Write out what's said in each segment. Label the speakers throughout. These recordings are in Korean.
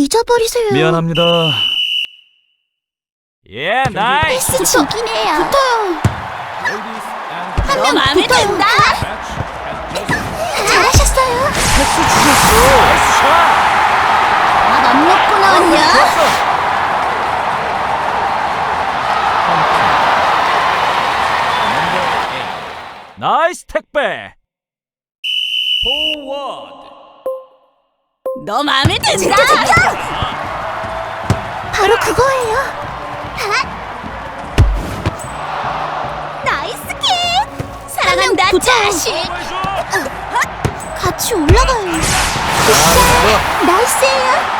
Speaker 1: 잊어버리세요.
Speaker 2: 미안합니다. 예, 나이스.
Speaker 1: 패스 저기네요. 붙어요. 한 명
Speaker 3: 마음에
Speaker 1: 붙어요.
Speaker 3: 든다.
Speaker 1: 잘하셨어요.
Speaker 2: 패스 주셨어. 나이스 샷.
Speaker 1: 밥 안 먹고 나왔냐?
Speaker 2: 좋았어. 나이스 택배. 포워드.
Speaker 3: 너 마음에 든다.
Speaker 1: 바로 그거예요. 나이스 킥.
Speaker 3: 사랑한다 자식.
Speaker 1: 같이 올라가요. 나이스예요.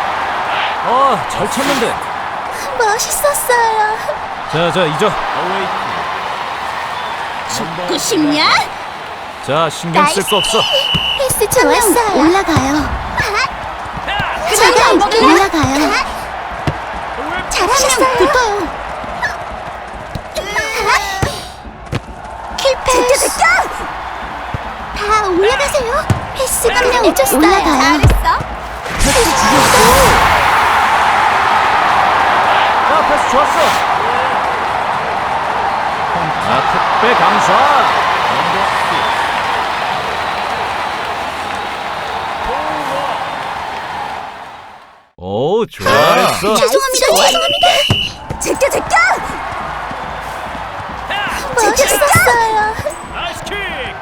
Speaker 2: 잘 쳤는데.
Speaker 1: 멋있었어요.
Speaker 2: 자, 잊어.
Speaker 3: 죽고 싶냐?
Speaker 2: 자, 신경 쓸 거 없어.
Speaker 1: 패스 좋았어요. 올라가요. 제가 올라가요. 잘하셨어요. 붙어요. 킬패스. 다 올라가세요. 패스 그냥 올라가요.
Speaker 3: 잘했어.
Speaker 2: 패스 주셨어. 야, 패스 좋았어. 택배 강사. 오, 좋았어.
Speaker 1: 죄송합니다.
Speaker 3: 제껴.
Speaker 1: 멋있었어요.
Speaker 2: 나이스 킥.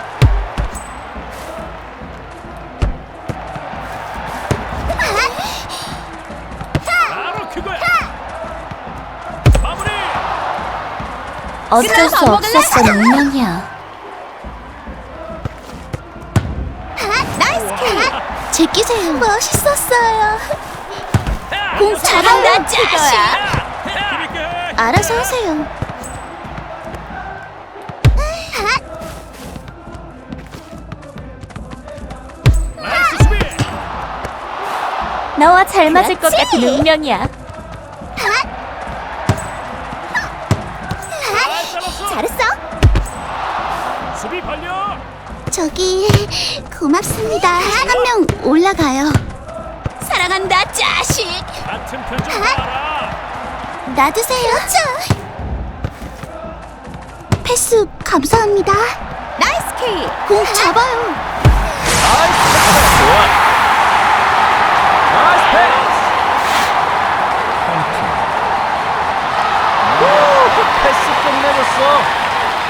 Speaker 2: 바로 그거야. 마무리.
Speaker 1: 어쩔 수 없었어. 운명이야.
Speaker 3: 나이스 킥.
Speaker 1: 제끼세요. 멋있었어요.
Speaker 3: 공 잘한다 자식.
Speaker 1: 알아서 하세요.
Speaker 2: 나이스 수비.
Speaker 3: 너와 잘 맞을 것 같은 운명이야.
Speaker 1: 잘했어.
Speaker 2: 수비 발려.
Speaker 1: 저기 고맙습니다. 한 명 올라가요.
Speaker 3: 사랑한다 자식.
Speaker 2: 같은 표정 봐라.
Speaker 1: 놔두세요. 패스 감사합니다.
Speaker 3: 나이스 킥.
Speaker 1: 공 잡아요.
Speaker 2: 나이스. 좋아. 나이스 패스. 오, 패스 끝내줬어.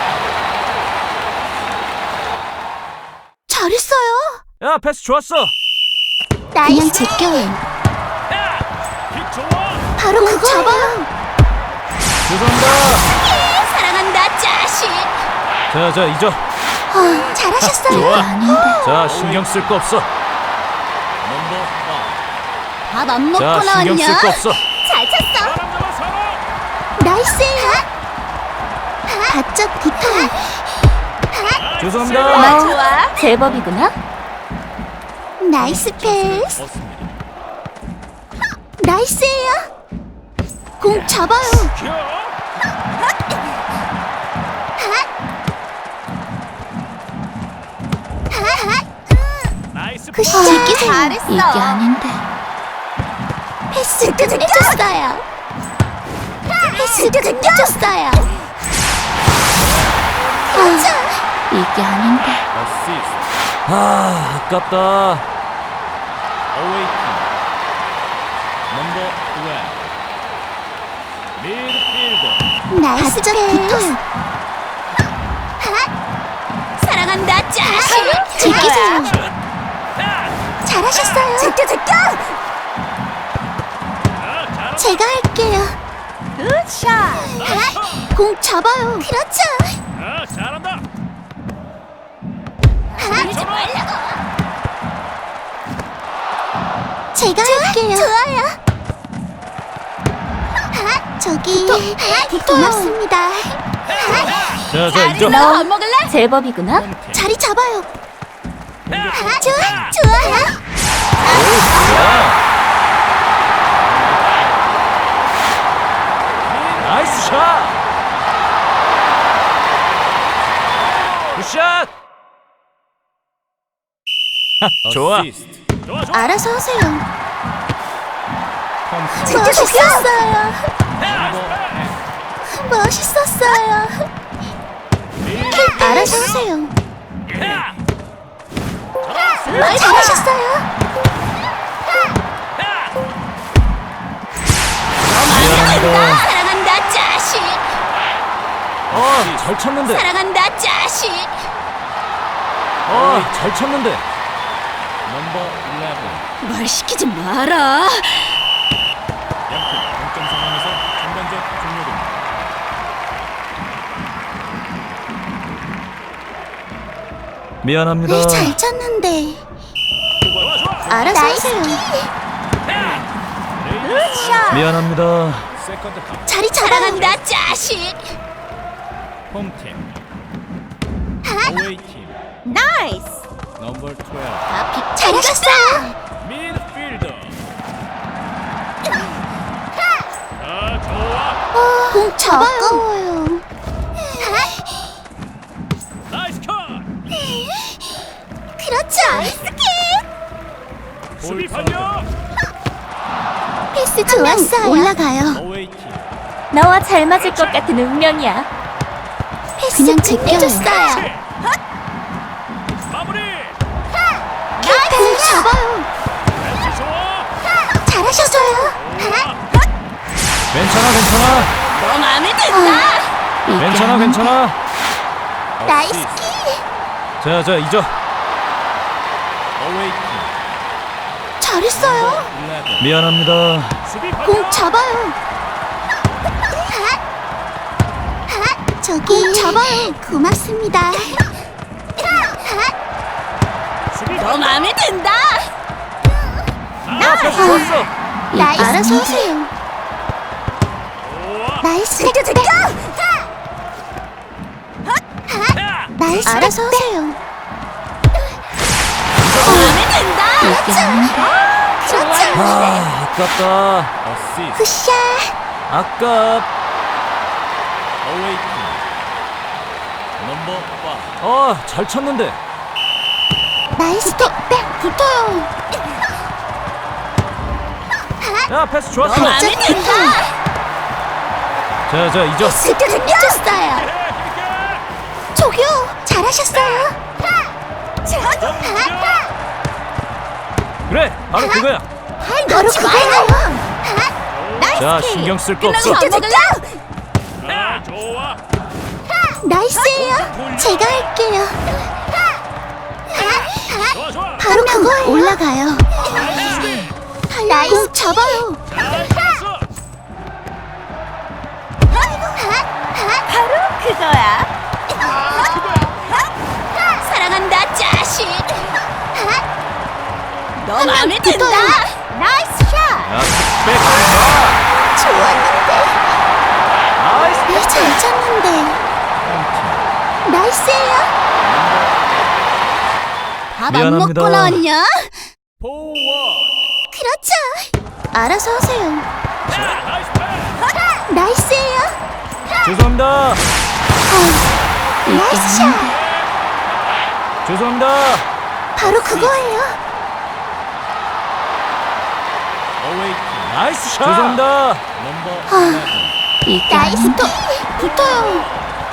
Speaker 1: 잘했어요.
Speaker 2: 야, 패스 좋았어.
Speaker 1: 그냥 제껴요.
Speaker 2: 킥 좋아.
Speaker 1: 바로 그거 잡아요.
Speaker 2: 죄송합니다.
Speaker 3: 사랑한다 자식.
Speaker 2: 자, 잊어.
Speaker 1: 잘하셨어요.
Speaker 2: 좋아.
Speaker 1: 아닌데.
Speaker 2: 자, 신경 쓸 거 없어.
Speaker 1: 밥 안 먹고
Speaker 2: 자, 신경 쓸 거
Speaker 1: 나왔냐?
Speaker 2: 없어.
Speaker 1: 잘 쳤어. 나이스예요. 바짝 붙어요.
Speaker 2: 죄송합니다.
Speaker 3: 좋아.
Speaker 1: 제법이구나. 나이스 패스. 나이스예요. 공 잡아요.
Speaker 2: 나이스
Speaker 1: 그 제끼세요.
Speaker 3: 잘했어.
Speaker 1: 이게 아닌데. 패스 끝내줬어요. 패스 끝내줬어요. 이게 아닌데.
Speaker 2: 아깝다.
Speaker 1: 나이스 패스.
Speaker 3: 사랑한다 자식.
Speaker 1: 제끼세요. 잘하셨어요.
Speaker 3: 제껴.
Speaker 1: 제가 할게요.
Speaker 3: 굿샷.
Speaker 1: 공 잡아요. 그렇죠.
Speaker 2: 잘한다.
Speaker 3: 하지 말라고.
Speaker 1: 제가 할게요. 좋아요. 저기 고맙습니다.
Speaker 2: 자, 잊어.
Speaker 3: 너 안 먹을래?
Speaker 1: 제법이구나. 자리 잡아요. 좋아요.
Speaker 2: 나이스 샷. 굿샷. 좋아.
Speaker 1: 알아서 하세요. 멋있었어요. 멋있었어요. 알아서 하세요. 잘하셨어요.
Speaker 3: 사랑한다 자식.
Speaker 2: 잘 쳤는데.
Speaker 3: 사랑한다 자식.
Speaker 2: 잘 쳤는데.
Speaker 3: 말 시키지 마라.
Speaker 2: 양팀 동점 상황에서 전반전 종료됩니다. 미안합니다.
Speaker 1: 잘 쳤는데. 알아서 하세요.
Speaker 2: 미안합니다.
Speaker 1: 자리 잡아요.
Speaker 3: 사랑한다 자식.
Speaker 2: 홈팀. 어웨이팀.
Speaker 1: 나이스.
Speaker 2: 넘버 12.
Speaker 1: 잘하셨어요.
Speaker 2: 미드필더. 좋아.
Speaker 1: 공 잡아요.
Speaker 2: 나이스 컷.
Speaker 1: 그렇죠. 나이스
Speaker 2: 수비 반격.
Speaker 1: 패스 좋았어요. 올라가요.
Speaker 2: 어웨이팀.
Speaker 3: 너와 잘 맞을 것 같은 운명이야.
Speaker 1: 패스 그냥 제껴줬어요.
Speaker 2: 마무리.
Speaker 1: 공 잡아요.
Speaker 2: 벤치 좋아.
Speaker 1: 잘하셨어요.
Speaker 2: 괜찮아.
Speaker 3: 너 마음에 든다.
Speaker 2: 괜찮아.
Speaker 1: 나이스 키.
Speaker 2: 자, 이죠. 어웨이팀.
Speaker 1: 잘했어요.
Speaker 2: 미안합니다.
Speaker 1: 공 잡아요. 저기 공 잡아요. 고맙습니다.
Speaker 3: 너 마음에 든다.
Speaker 2: 좋았어.
Speaker 1: 나이스. 알아서 하세요. 나이스. 제껴. 나이스. 알아서 하세요.
Speaker 3: 마음에 든다.
Speaker 1: 그렇죠.
Speaker 2: 아깝다.
Speaker 1: 굿샷.
Speaker 2: 아깝. 어웨이팀. 넘버 5. 잘 쳤는데.
Speaker 1: 나이스. 붙어요.
Speaker 2: 야, 패스 좋았어.
Speaker 3: 너 마음에 든다.
Speaker 2: 자, 이죠.
Speaker 1: 제껴줬어요. 저기요. 잘하셨어요.
Speaker 2: 그래, 바로 그거야.
Speaker 1: 바로 그거예요.
Speaker 2: 자, 신경 쓸 거 없어.
Speaker 3: 밥 먹을래?
Speaker 2: 좋아.
Speaker 1: 나이스예요. 제가 할게요.
Speaker 2: 좋아.
Speaker 1: 바로 그거예요. 올라가요. 나이스. 잡아요.
Speaker 3: 그거야. 사랑한다 자식. 너 마음에 든다.
Speaker 1: 나이스 샷.
Speaker 2: 야, 백.
Speaker 1: 좋았는데.
Speaker 2: 나이스.
Speaker 1: 잘 쳤는데. 나이스예요. 밥 안
Speaker 2: 미안합니다.
Speaker 1: 먹고 나왔냐?
Speaker 2: 포워드.
Speaker 1: 그렇죠. 알아서 하세요.
Speaker 2: 나이스 패스.
Speaker 1: 나이스예요.
Speaker 2: 죄송합니다.
Speaker 1: 나이스 샷.
Speaker 2: 죄송합니다.
Speaker 1: 바로 그거예요.
Speaker 2: 나이스 샷. 죄송합니다.
Speaker 1: 나이스 또 붙어요.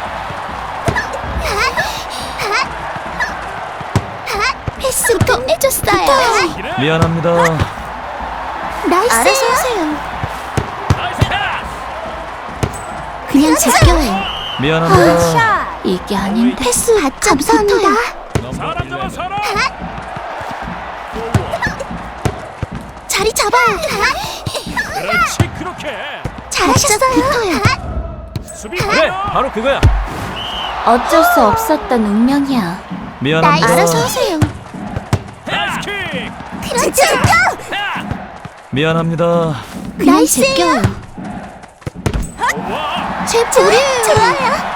Speaker 1: 패스 끝내줬어요.
Speaker 2: 미안합니다.
Speaker 1: 나이스. 알아서 하세요.
Speaker 2: 나이스 패스.
Speaker 1: 그냥 제껴요.
Speaker 2: 미안합니다.
Speaker 1: 이게 아닌데. 패스 감사합니다.
Speaker 2: 사람 잡아 사람.
Speaker 1: 자리 잡아요.
Speaker 2: 그렇지 그렇게.
Speaker 1: 잘하셨어요.
Speaker 2: 수비 그래 바로 그거야.
Speaker 3: 어쩔 수 없었던 운명이야.
Speaker 2: 미안합니다.
Speaker 1: 알아서 하세요.
Speaker 2: 나이스 킥.
Speaker 1: 그렇죠.
Speaker 2: 미안합니다.
Speaker 1: 나이스예요. 제 볼이에요. 좋아요.